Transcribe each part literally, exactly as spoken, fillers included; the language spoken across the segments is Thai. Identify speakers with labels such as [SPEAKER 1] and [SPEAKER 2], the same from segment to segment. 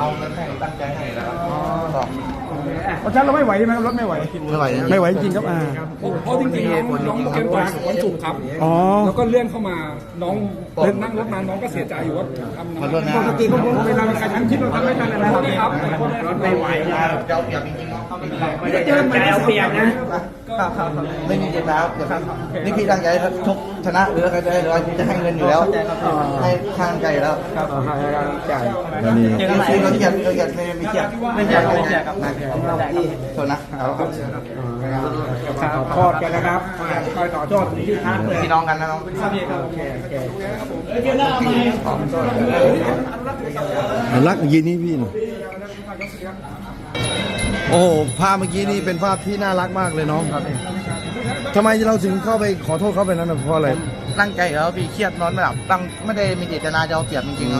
[SPEAKER 1] เอาเงินให้ตั้งใจให้แล้วก็
[SPEAKER 2] เพราะฉะนั้นเราไม่ไหวใช่ไหมครับรถไม่ไหว
[SPEAKER 1] ไม่ไหว
[SPEAKER 2] ไม่ไหวจริงครับอ่า
[SPEAKER 3] เพราะจริงๆน้องน้องเกมต่อยกับวันศุกร์ครับ
[SPEAKER 2] อ๋อ
[SPEAKER 3] แล้วก็เลื่อนเข้ามาน้องเดินนั่งรถมาน้องก็เสียใจอยู่ว่าทำ
[SPEAKER 1] ขอโทษนะ
[SPEAKER 2] ปกติก็ผมเวลามีการทั้งคิดเราทำไม่ทันอะไร
[SPEAKER 3] ขอโทษ
[SPEAKER 2] นะ
[SPEAKER 3] นะ
[SPEAKER 2] ค
[SPEAKER 3] ค
[SPEAKER 2] รั
[SPEAKER 3] รั
[SPEAKER 2] บบ
[SPEAKER 3] รถไม่ไหว
[SPEAKER 1] เจ้าเปรียบจริงๆเนาะ
[SPEAKER 2] ไม่ได้เจอไม่ได้เปรียบนะ
[SPEAKER 1] ไม่มีเจตนาครับเดี๋ยวนี่พี่ตั้งใจชกชนะหรืออะไรหรือจะให้เงินอยู่แล้วให้ข้างใจแล้ว
[SPEAKER 2] ครับให้ใจ
[SPEAKER 1] นี่คือเราเกียดเราเกียดไม่ไม่เกียดไม่เกียดไม่เกียดครับโทษนะ
[SPEAKER 2] ขอโทษกันนะครับคอยต่อโทษที่ท่านเลย
[SPEAKER 1] พี่น้องกันนะน้อง
[SPEAKER 2] โอเคโอเค
[SPEAKER 4] รักยีนี่พี่หน่อยโอ้โหภาพเมื่อกี้นี่เป็นภาพที่น่ารักมากเลยน้องครับทำไมเราถึงเข้าไปขอโทษเขาไปนั้นนะเพราะอะไร
[SPEAKER 1] ตั้งใจแล้วพี่เครียดนอนไม่หลับตั้งไม่ได้มีเจตนาจะเอาเปรียบจริงๆครับ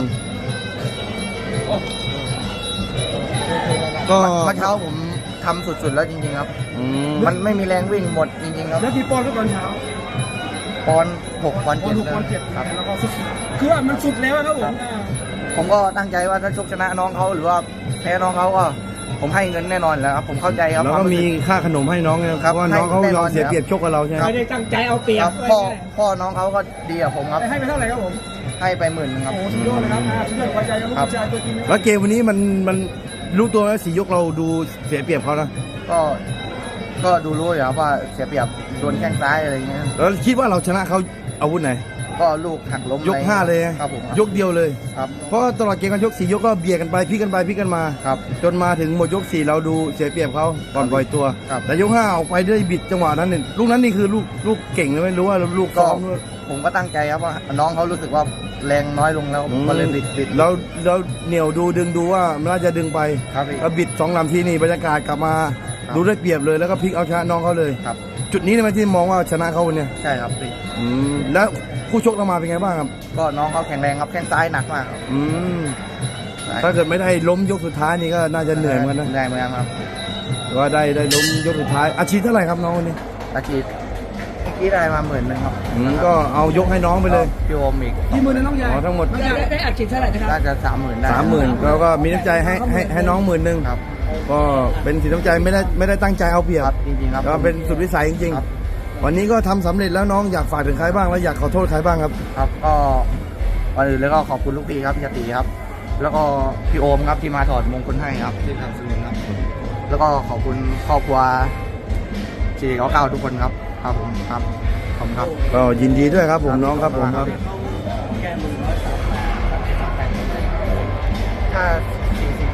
[SPEAKER 4] ก็
[SPEAKER 1] เมื่อเช้าผมทำสุดๆแล้วจริงๆครับ
[SPEAKER 4] อืม
[SPEAKER 1] มันไม่มีแรงวิ่งหมดจริงๆครับ
[SPEAKER 2] แล้วกี่ปอนด์ก็ตอนเช้า
[SPEAKER 1] ปอนด์หกปอนด์
[SPEAKER 2] ปอน
[SPEAKER 1] เจ็ด
[SPEAKER 2] ด์หกปอนด์เจ็ด
[SPEAKER 1] ครับ
[SPEAKER 2] แล้วก็สุดคือว่ามันสุดแล้วครับผม
[SPEAKER 1] ผมก็ตั้งใจว่าถ้าชกชนะน้องเขาหรือว่าแพ้น้องเขาก็ผมให้เงินแน่นอนแล้วครับผมเข้าใจครับ
[SPEAKER 4] แล้วก็มีค่าขนมให้น้องนะครับเพราะว่าน้องเขายอมเสียเปรียบชกกับเราใช่ไหม
[SPEAKER 2] ไม่ได้ตั้งใจเอาเปรีย
[SPEAKER 1] ครับ บพ่อพ่อน้องเขาก็ดีกับผมครับ
[SPEAKER 2] ให้ไปเท่าไหร่ครับผม
[SPEAKER 1] ให้ไปหมื่นนึงครับ
[SPEAKER 2] โอ้สุดยอดเลยครับสุดยอดหัวใจครับลูกชายตัวจริงนะ
[SPEAKER 4] แล้วเกมวันนี้มันมันรู้ตัวไหมสี่ยกเราดูเสียเปรียบเขานะ
[SPEAKER 1] ก็ก็ดูรู้อยู่ครับว่าเสียเปรียบโดนแข้งซ้ายอะไรอย่างเงี้ย
[SPEAKER 4] แล้วคิดว่าเราชนะเขาอาวุธไหน
[SPEAKER 1] ก็ลูกหักล้ม
[SPEAKER 4] ยกห้าเลย
[SPEAKER 1] ครับผม
[SPEAKER 4] ยกเดียวเลย
[SPEAKER 1] ครับ
[SPEAKER 4] เพราะตลอดเกมการชกสี่ยกก็เบียดกันไปพลิกกันไปพลิกกันมา
[SPEAKER 1] ครับ
[SPEAKER 4] จนมาถึงหมดยกสี่เราดูเสียเปรียบเขาก่อนปล่อยตัว
[SPEAKER 1] ครับ
[SPEAKER 4] แต่ยกห้าออกไปได้บิดจังหวะนั้นเนี่ยลูกนั้นนี่คือลูกลูกเก่งเลยไหมรู้ว่าลูก
[SPEAKER 1] ก็
[SPEAKER 4] ซ้อมด้วย
[SPEAKER 1] ผมก็ตั้งใจครับว่าน้องเขารู้สึกว่าแรงน้อยลงแล้วผมก็เลยบิดบิด
[SPEAKER 4] เราเราเหนียวดูดึงดูว่ามันน่าจะดึงไป
[SPEAKER 1] ครับพี่
[SPEAKER 4] แล้วบิดสองลำทีนี่บรรยากาศกลับมา
[SPEAKER 1] ครับ
[SPEAKER 4] ดูได้เปรียบเลยแล้วก็พลิกเอาชนะน้องเขาเลย
[SPEAKER 1] ครับ
[SPEAKER 4] จุดนี้ใช่ไหมที่มองว่าชนะเขาวันเนี้ย
[SPEAKER 1] ใช่ครับพี่
[SPEAKER 4] อืมแล้วคู่ชกเรามาเป็นไงบ้างครับ
[SPEAKER 1] ก็น้องเขาแข็งแรงครับแข้งซ้ายหนักมากครับ
[SPEAKER 4] อืมถ้าเกิดไม่ได้ล้มยกสุดท้ายนี่ก็น่าจะเหนื่อยเหมือนกันนะ
[SPEAKER 1] เหนื่อยเหมือนกันครับ
[SPEAKER 4] แต่ว่าได้ได้ล้มยกสุดท้ายอาชีพเท่าไหร่ครับน้องวันนี้
[SPEAKER 1] ตะกี้เมื่อกี้ได้มาหมื่นหนึ่งครับ
[SPEAKER 4] อืมก็เอายกให้น้องไปเลย
[SPEAKER 1] พี่โอมอีก
[SPEAKER 2] ที่มือในน้องใหญ่
[SPEAKER 4] อ๋อทั้งหมด
[SPEAKER 2] ได้ได้อัดฉีดเท่าไหร่นะครับ
[SPEAKER 1] น่าจะสามหมื่นได้
[SPEAKER 4] สามหมื่นแล้วก็มีน้ำใจให้ให้ให้น้องหมื่นหนึ่ง
[SPEAKER 1] ครับ
[SPEAKER 4] ก็เป็นสินน้ำใจไม่ได้ไม่ได้ตั้งใจเอาเปรียบ
[SPEAKER 1] ครับจริงๆครับ
[SPEAKER 4] ก็เป็นสุดวิสัยจริง
[SPEAKER 1] ครับ
[SPEAKER 4] ๆ วันนี้ก็ทำสำเร็จแล้วน้องอยากฝากถึงใครบ้างแล้วอยากขอโทษใครบ้างครับ
[SPEAKER 1] ครับก็ก่อนอื่นเลยก็ขอบคุณลูกพี่ครับพี่ชติครับ แล้วก็พี่โอมครับที่มาถอดมงคลให้ครับที่ทำสนุนครับ แล้วก็ขอบคุณครอบครัวสี่เก้าเก้าทุกคนครับครับผมครับขอบคุณครับ
[SPEAKER 4] ก็ยินดีด้วยครับผมน้องครับผมครับ
[SPEAKER 1] ถ้าสี่สิบ